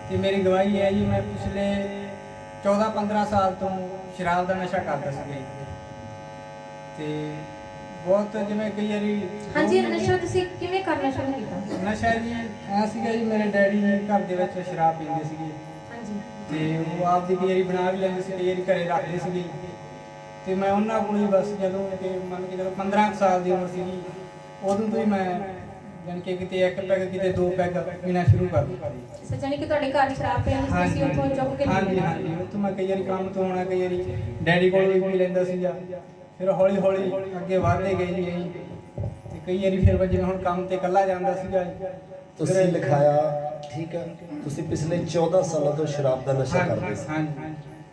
ਤੇ ਮੇਰੀ ਗਵਾਹੀ ਹੈ ਜੀ, ਮੈਂ ਪਿਛਲੇ 14-15 ਸਾਲ ਤੋਂ ਸ਼ਰਾਬ ਦਾ ਨਸ਼ਾ ਕਰਦਾ ਸੀਗਾ ਜੀ। ਤੇ ਬਹੁਤ ਜਿਵੇਂ ਕਈ ਵਾਰੀ ਹਾਂਜੀ, ਨਸ਼ਾ ਤੁਸੀਂ ਕਿਵੇਂ ਕਰਨਾ ਸ਼ੁਰੂ ਕੀਤਾ? ਨਸ਼ਾ ਜੀ ਐਂ ਸੀਗਾ ਜੀ, ਮੇਰੇ ਡੈਡੀ ਜੀ ਘਰ ਦੇ ਵਿੱਚ ਸ਼ਰਾਬ ਪੀਂਦੇ ਸੀਗੇ ਹਾਂਜੀ। ਤੇ ਉਹ ਆਪ ਦੀ ਕਈ ਵਾਰੀ ਬਣਾ ਵੀ ਲੈਂਦੇ ਸੀ, ਕਈ ਵਾਰੀ ਘਰੇ ਰੱਖਦੇ ਸੀਗੇ। ਤੇ ਮੈਂ ਉਹਨਾਂ ਕੋਲ ਹੀ ਬਸ ਜਦੋਂ ਕਿ ਮੰਨ ਕੇ ਜਦੋਂ 15 ਸਾਲ ਦੀ ਉਮਰ ਸੀਗੀ, ਉਦੋਂ ਤੋਂ ਹੀ ਮੈਂ ਜਾਣੀ ਕਿ ਕਿਤੇ ਇੱਕ ਪੈਗ ਕਿਤੇ ਦੋ ਪੈਗ ਪੀਣਾ ਸ਼ੁਰੂ ਕਰ ਦਿੱਤਾ ਜੀ। ਸੱਚਾ ਨਹੀਂ ਕਿ ਤੁਹਾਡੇ ਘਰ ਸ਼ਰਾਬ ਪੀਣ ਦੀ ਤੁਸੀਂ ਉੱਥੋਂ ਚੁੱਕ ਕੇ ਲੈ ਹਾਂਜੀ ਗਏ? ਹਾਂਜੀ, ਉੱਥੋਂ ਮੈਂ ਕਈ ਵਾਰੀ ਕੰਮ ਤੋਂ ਆਉਣਾ, ਕਈ ਵਾਰੀ ਡੈਡੀ ਕੋਲ ਵੀ ਪੀ ਲੈਂਦਾ ਸੀਗਾ। ਫਿਰ ਹੌਲੀ ਹੌਲੀ ਅੱਗੇ ਵਧਦੇ ਗਏ ਜੀ ਅਸੀਂ। ਤੇ ਕਈ ਵਾਰੀ ਫਿਰ ਜਿਵੇਂ ਹੁਣ ਕੰਮ ਤੇ ਇਕੱਲਾ ਜਾਂਦਾ ਸੀਗਾ ਜੀ। ਤੁਸੀਂ ਲਿਖਾਇਆ, ਠੀਕ ਹੈ, ਤੁਸੀਂ ਪਿਛਲੇ 14 ਸਾਲਾਂ ਤੋਂ ਸ਼ਰਾਬ ਦਾ ਨਸ਼ਾ ਕਰਦੇ ਸੀ, ਹਾਂਜੀ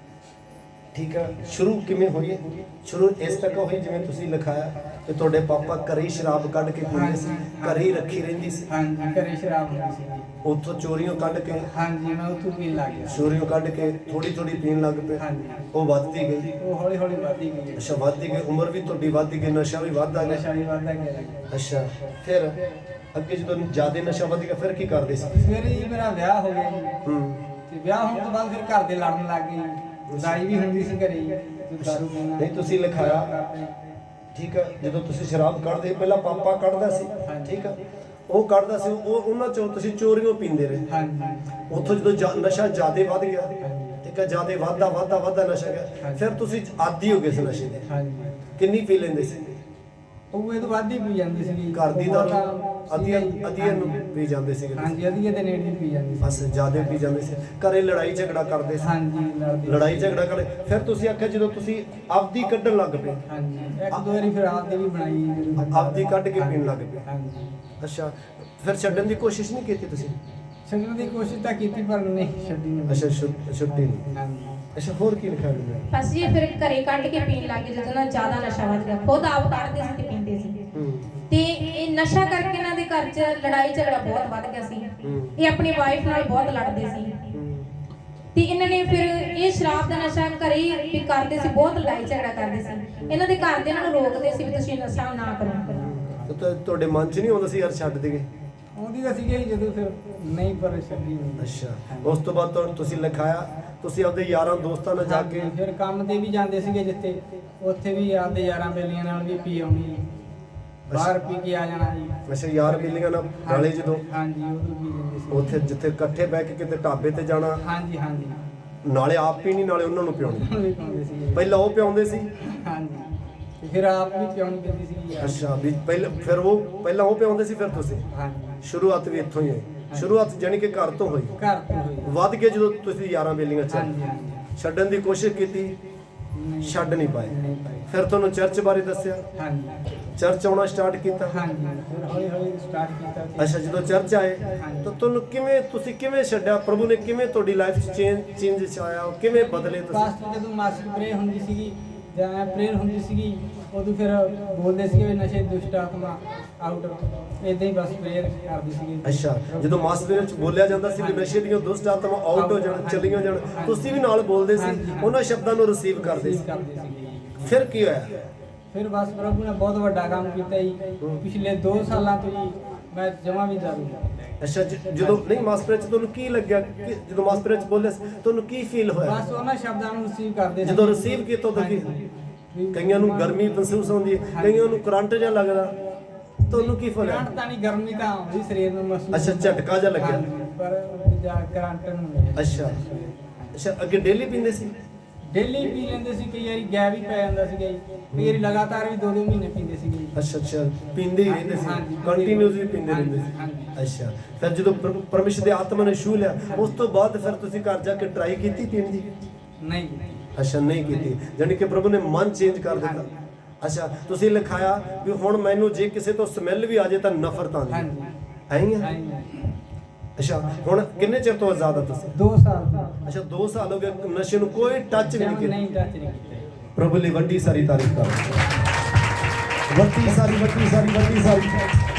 ਠੀਕ ਹੈ। ਸ਼ੁਰੂ ਕਿਵੇਂ ਹੋਈ? ਸ਼ੁਰੂ ਇਸ ਤੱਕ ਹੋਈ ਜਿਵੇਂ ਤੁਸੀਂ ਲਿਖਾਇਆ ਕਿ ਤੁਹਾਡੇ ਪਾਪਾ ਘਰੇ ਹੀ ਸ਼ਰਾਬ ਕੱਢ ਕੇ ਪੀਂਦੇ ਸੀ, ਘਰੇ ਹੀ ਰੱਖੀ ਰਹਿੰਦੀ ਸੀ, ਹਾਂਜੀ, ਘਰੇ ਸ਼ਰਾਬ ਹੁੰਦੀ ਸੀ। ਉੱਥੋਂ ਚੋਰੀਆਂ ਕੱਢ ਕੇ, ਹਾਂਜੀ, ਮੈਂ ਉੱਥੋਂ ਪੀਣ ਲੱਗ ਗਿਆ। ਚੋਰੀਆਂ ਕੱਢ ਕੇ ਥੋੜੀ ਥੋੜੀ ਪੀਣ ਲੱਗ ਪਏ। ਹਾਂਜੀ, ਉਹ ਵੱਧਦੀ ਗਈ, ਉਹ ਹੌਲੀ ਹੌਲੀ ਵੱਧਦੀ ਗਈ। ਅੱਛਾ, ਵੱਧਦੀ ਗਈ, ਉਮਰ ਵੀ ਤੁਹਾਡੀ ਵੱਧਦੀ ਗਈ, ਨਸ਼ਾ ਵੀ ਵੱਧਦਾ ਗਿਆ। ਨਸ਼ਾ ਵੀ ਵੱਧਦਾ ਗਿਆ। ਅੱਛਾ, ਫਿਰ ਅੱਗੇ ਜਦੋਂ ਜ਼ਿਆਦਾ ਨਸ਼ਾ ਵੱਧ ਗਿਆ ਫਿਰ ਕੀ ਕਰਦੇ ਸੀ? ਫਿਰ ਜੀ ਮੇਰਾ ਵਿਆਹ ਹੋ ਗਿਆ ਜੀ। ਤੇ ਵਿਆਹ ਹੋਣ ਤੋਂ ਬਾਅਦ ਫਿਰ ਘਰ ਦੇ ਲੜਨ ਲੱਗ ਗਏ। ਲੜਾਈ ਵੀ ਹੁੰਦੀ ਸੀ ਘਰੇ ਜੀ, ਦਾਰੂ ਪੀਣਾ। ਨਹੀਂ, ਤੁਸੀਂ ਲਿਖਾਇਆ, ਠੀਕ ਹੈ, ਜਦੋਂ ਤੁਸੀਂ ਸ਼ਰਾਬ ਕੱਢਦੇ ਪਹਿਲਾਂ ਪਾਪਾ ਕੱਢਦਾ ਸੀ, ਠੀਕ ਹੈ, ਉਹ ਕੱਢਦਾ ਸੀ, ਉਹ ਉਹਨਾਂ ਚੋਂ ਤੁਸੀਂ ਚੋਰੀਆਂ ਪੀਂਦੇ ਰਹੇ। ਹਾਂਜੀ, ਉੱਥੋਂ ਜਦੋਂ ਨਸ਼ਾ ਜ਼ਿਆਦਾ ਵੱਧ ਗਿਆ, ਠੀਕ ਹੈ, ਜ਼ਿਆਦਾ ਵੱਧਦਾ ਨਸ਼ਾ ਗਿਆ, ਫਿਰ ਤੁਸੀਂ ਆਦੀ ਹੋ ਗਏ ਸੀ ਨਸ਼ੇ ਦੇ। ਹਾਂਜੀ, ਕਿੰਨੀ ਪੀ ਲੈਂਦੇ ਸੀ? ਉਹ ਇਹ ਤੋਂ ਵੱਧ ਹੀ ਪੀ ਜਾਂਦੀ ਸੀ। ਘਰ ਦੀ ਦਾਰੂ ਅਧੀਆਂ ਨੂੰ ਪੀ ਜਾਂਦੇ ਸੀਗੇ ਤੁਸੀਂ? ਹਾਂਜੀ, ਅਧੀਏ ਦੇ ਨੇੜੇ ਹੀ ਪੀ ਜਾਂਦੀ ਸੀ। ਬਸ ਜ਼ਿਆਦਾ ਪੀ ਜਾਂਦੇ ਸੀ, ਘਰੇ ਲੜਾਈ ਝਗੜਾ ਕਰਦੇ ਸੀ। ਹਾਂਜੀ, ਲੜਾਈ ਝਗੜਾ ਕਰਦੇ, ਫਿਰ ਤੁਸੀਂ ਆਖਿਆ ਜਦੋਂ ਤੁਸੀਂ ਆਪਦੀ ਕੱਢਣ ਲੱਗ ਪਏ, ਹਾਂਜੀ, ਇੱਕ ਦੋ ਵਾਰੀ ਫਿਰ ਆਪ ਦੀ ਵੀ ਬਣਾਈ। ਆਪਦੀ ਕੱਢ ਕੇ ਪੀਣ ਲੱਗ ਪਏ। ਹਾਂਜੀ, ਅੱਛਾ, ਫਿਰ ਛੱਡਣ ਦੀ ਕੋਸ਼ਿਸ਼ ਨਹੀਂ ਕੀਤੀ ਤੁਸੀਂ? ਛੱਡਣ ਦੀ ਕੋਸ਼ਿਸ਼ ਤਾਂ ਕੀਤੀ ਪਰ ਨਹੀਂ ਛੱਡੀ ਨਹੀਂ। ਅੱਛਾ, ਛੁੱਟੀ ਨਹੀਂ। ਹਾਂਜੀ, ਅੱਛਾ, ਹੋਰ ਕੀ ਲਿਖਿਆ ਹੋਇਆ? ਬਸ ਜੀ ਫਿਰ ਘਰੇ ਕੱਢ ਕੇ ਪੀਣ ਲੱਗ ਗਏ ਜਦੋਂ ਨਾ ਜ਼ਿਆਦਾ ਨਸ਼ਾ ਵੱਧ ਗਿਆ। ਖੁਦ ਆਪ ਕੱਢਦੇ ਸੀ ਤੇ ਪੀਂਦੇ ਸੀ। ਤੇ ਇਹ ਨਸ਼ਾ ਕਰਕੇ ਇਹਨਾਂ ਦੇ ਘਰ 'ਚ ਲੜਾਈ ਝਗੜਾ ਬਹੁਤ ਵੱਧ ਗਿਆ ਸੀ। ਇਹ ਆਪਣੀ ਵਾਈਫ ਨਾਲ ਬਹੁਤ ਲੜਦੇ ਸੀ। ਤੇ ਇਹਨਾਂ ਨੇ ਫਿਰ ਇਹ ਸ਼ਰਾਬ ਦਾ ਨਸ਼ਾ ਘਰੇ ਹੀ ਕਰਦੇ ਸੀ, ਬਹੁਤ ਲੜਾਈ ਝਗੜਾ ਕਰਦੇ ਸੀ। ਇਹਨਾਂ ਦੇ ਘਰ ਦੇ ਇਹਨਾਂ ਨੂੰ ਰੋਕਦੇ ਸੀ ਵੀ ਤੁਸੀਂ ਨਸ਼ਾ ਨਾ ਕਰੋ। ਤਾਂ ਤੁਹਾਡੇ ਮਨ 'ਚ ਨਹੀਂ ਆਉਂਦਾ ਸੀ ਯਾਰ ਛੱਡ ਦੇਗੇ? ਆਉਂਦੀ ਤਾਂ ਸੀਗੀ ਜੀ ਜਦੋਂ ਫਿਰ ਨਹੀਂ ਪਰ ਛੱਡੀ ਨਹੀਂ। ਅੱਛਾ, ਉਸ ਤੋਂ ਬਾਅਦ ਤੁਸੀਂ ਲਿਖਾਇਆ ਤੁਸੀਂ ਆਪਦੇ ਯਾਰਾਂ ਦੋਸਤਾਂ ਨਾਲ ਜਾ ਕੇ ਫਿਰ ਕੰਮ ਤੇ ਵੀ ਜਾਂਦੇ ਸੀਗੇ ਜਿੱਥੇ, ਉੱਥੇ ਵੀ ਆਪਦੇ ਯਾਰਾਂ ਬੇਲੀਆਂ ਨਾਲ ਵੀ ਪੀ ਆਉਣੀ, ਬਾਹਰ ਪੀ ਕੇ ਆ ਜਾਣਾ ਜੀ। ਅੱਛਾ, ਯਾਰ ਬੇਲੀਆਂ ਨਾਲ ਨਾਲੇ ਜਦੋਂ ਹਾਂਜੀ, ਉਦੋਂ ਪੀ ਲੈਂਦੇ ਸੀ ਉੱਥੇ ਜਿੱਥੇ ਇਕੱਠੇ ਬਹਿ ਕੇ ਕਿਤੇ ਢਾਬੇ ਤੇ ਜਾਣਾ, ਹਾਂਜੀ ਹਾਂਜੀ, ਨਾਲੇ ਆਪ ਪੀਣੀ ਨਾਲੇ ਉਹਨਾਂ ਨੂੰ ਪਿਆਉਣੀ। ਉਹ ਵੀ ਪਾਉਂਦੇ ਸੀਗੇ। ਪਹਿਲਾਂ ਉਹ ਪਿਆਉਂਦੇ ਸੀ? ਹਾਂਜੀ, ਤੇ ਫਿਰ ਆਪ ਵੀ ਪਿਆਉਣੀ ਪੈਂਦੀ ਸੀਗੀ। ਅੱਛਾ, ਵੀ ਫਿਰ ਪਹਿਲਾਂ ਉਹ ਪਿਆਉਂਦੇ ਸੀ ਫਿਰ ਤੁਸੀਂ? ਹਾਂਜੀ, ਸ਼ੁਰੂਆਤ ਵੀ ਇੱਥੋਂ ਹੀ ਹੋਈ? ਸ਼ੁਰੂਆਤ ਜਾਣੀ ਕਿ ਘਰ ਤੋਂ ਹੋਈ? ਘਰ ਤੋਂ ਹੋਈ। ਵੱਧ ਕੇ ਜਦੋਂ ਤੁਸੀਂ ਯਾਰਾਂ ਬੇਲੀਆਂ ਚ ਹਾਂਜੀ ਹਾਂਜੀ, ਛੱਡਣ ਦੀ ਕੋਸ਼ਿਸ਼ ਕੀਤੀ, ਛੱਡ ਨਹੀਂ ਪਾਏ। ਨਹੀਂ ਪਾਏ। ਫਿਰ ਤੁਹਾਨੂੰ ਚਰਚ ਬਾਰੇ ਦੱਸਿਆ, ਹਾਂਜੀ ਚਰਚ ਆਉਣਾ ਸਟਾਰਟ ਕੀਤਾ? ਹਾਂਜੀ, ਫਿਰ ਹੌਲੀ ਹੌਲੀ ਸਟਾਰਟ ਕੀਤਾ ਸੀ। ਅੱਛਾ, ਜਦੋਂ ਚਰਚ ਆਏ ਤਾਂ ਤੁਹਾਨੂੰ ਤੁਸੀਂ ਕਿਵੇਂ ਛੱਡਿਆ? ਪ੍ਰਭੂ ਨੇ ਕਿਵੇਂ ਤੁਹਾਡੀ ਲਾਈਫ 'ਚ ਚੇਂਜ ਆਇਆ? ਕਿਵੇਂ ਬਦਲੇ ਤੁਸੀਂ? ਪਾਸਟਰ ਜਦੋਂ ਮਾਸਿਕ ਪ੍ਰੇਅਰ ਹੁੰਦੀ ਸੀਗੀ ਜਾਂ ਪ੍ਰੇਅਰ ਹੁੰਦੀ ਸੀਗੀ, ਉਦੋਂ ਫਿਰ ਬੋਲਦੇ ਸੀਗੇ ਵੀ ਨਸ਼ੇ ਦੁਸ਼ਟ ਆਤਮਾ ਆਊਟ, ਇਦਾਂ ਹੀ ਬਸ ਪ੍ਰੇਅਰ ਕਰਦੇ ਸੀਗੇ। ਅੱਛਾ, ਜਦੋਂ ਮਾਸ ਦੇ ਵਿੱਚ ਬੋਲਿਆ ਜਾਂਦਾ ਸੀ ਕਿ ਨਸ਼ੇ ਦੀਆਂ ਦੁਸ਼ਟ ਆਤਮਾ ਆਊਟ ਹੋ ਜਾਣ, ਚਲੀਆਂ ਜਾਣ, ਤੁਸੀਂ ਵੀ ਨਾਲ ਬੋਲਦੇ ਸੀ, ਉਹਨਾਂ ਸ਼ਬਦਾਂ ਨੂੰ ਰਿਸੀਵ ਕਰਦੇ ਸੀ। ਫਿਰ ਕੀ ਹੋਇਆ? ਫਿਰ ਬਸ ਪ੍ਰਭੂ ਨੇ ਬਹੁਤ ਵੱਡਾ ਕੰਮ ਕੀਤਾ ਜੀ। ਪਿਛਲੇ 2 ਸਾਲਾਂ ਤੋਂ ਜੀ ਮੈਂ ਜਮਾਂ ਵੀ ਦਾਰੂ। ਅੱਛਾ, ਜਦੋਂ ਨਹੀਂ ਮਾਸਪਰੇ ਚ ਤੁਹਾਨੂੰ ਕੀ ਲੱਗਿਆ ਕਿ ਜਦੋਂ ਮਾਸਪਰੇ ਚ ਬੋਲੇ ਤੁਹਾਨੂੰ ਕੀ ਫੀਲ ਹੋਇਆ? ਬਸ ਉਹਨਾਂ ਸ਼ਬਦਾਂ ਨੂੰ ਰਿਸੀਵ ਕਰਦੇ ਸੀ। ਜਦੋਂ ਰਿਸੀਵ ਕੀਤਾ ਤਾਂ ਕੀ? ਕਈਆਂ ਨੂੰ ਗਰਮੀ ਮਹਿਸੂਸ ਹੁੰਦੀ ਹੈ, ਕਈਆਂ ਨੂੰ ਕਰੰਟ ਜਿਹਾ ਲੱਗਦਾ, ਤੁਹਾਨੂੰ ਕੀ ਫੀਲ ਹੋਇਆ? ਕਰੰਟ ਤਾਂ ਨਹੀਂ, ਗਰਮੀ ਤਾਂ ਆਉਂਦੀ ਸਰੀਰ ਨੂੰ ਮਹਿਸੂਸ। ਅੱਛਾ, ਝਟਕਾ ਜਿਹਾ ਲੱਗਿਆ। ਪਰ ਜਾ ਕਰੰਟ ਨੂੰ। ਅੱਛਾ, ਅੱਗੇ ਡੇਲੀ ਪੀਂਦੇ ਸੀ? ਡੇਲੀ ਪੀ ਲੈਂਦੇ ਸੀ, ਕਈ ਵਾਰੀ ਗੈਪ ਵੀ ਪੈ ਜਾਂਦਾ ਸੀਗਾ ਜੀ। ਕਈ ਵਾਰੀ ਲਗਾਤਾਰ ਵੀ 2-2 ਮਹੀਨੇ ਪੀਂਦੇ ਸੀਗੇ। ਅੱਛਾ, ਪੀਂਦੇ ਹੀ ਰਹਿੰਦੇ ਸੀ, ਕੰਟੀਨਿਊਸਲੀ ਪੀਂਦੇ ਰਹਿੰਦੇ ਸੀ। ਅੱਛਾ, ਫਿਰ ਜਦੋਂ ਪਰਮੇਸ਼ਰ ਦੇ ਆਤਮਾ ਨੇ ਛੂਹ ਲਿਆ, ਉਸ ਤੋਂ ਬਾਅਦ ਫਿਰ ਤੁਸੀਂ ਘਰ ਜਾ ਕੇ ਟਰਾਈ ਕੀਤੀ ਪੀਣ ਦੀ? ਨਹੀਂ। ਅੱਛਾ, ਨਹੀਂ ਕੀਤੀ, ਜਾਣੀ ਕਿ ਪ੍ਰਭੂ ਨੇ ਮਨ ਚੇਂਜ ਕਰ ਦਿੱਤਾ। ਅੱਛਾ, ਤੁਸੀਂ ਲਿਖਾਇਆ ਵੀ ਹੁਣ ਮੈਨੂੰ ਜੇ ਕਿਸੇ ਤੋਂ ਸਮੈਲ ਵੀ ਆ ਜਾਏ ਤਾਂ ਨਫ਼ਰਤ ਆਉਂਦੀ ਹੈ। ਅੱਛਾ, ਹੁਣ ਕਿੰਨੇ ਚਿਰ ਤੋਂ ਆਜ਼ਾਦ ਆ ਤੁਸੀਂ? 2 ਸਾਲ। ਅੱਛਾ, 2 ਸਾਲ ਹੋ ਗਏ ਨਸ਼ੇ ਨੂੰ ਕੋਈ ਟੱਚ ਵੀ ਨਹੀਂ ਕੀਤਾ? ਨਹੀਂ, ਟੱਚ ਨਹੀਂ ਕੀਤਾ। ਪ੍ਰਭੂ ਲਈ ਵੱਡੀ ਸਾਰੀ ਤਾਰੀਫ ਕਰੋ। ਵੱਡੀ ਸਾਰੀ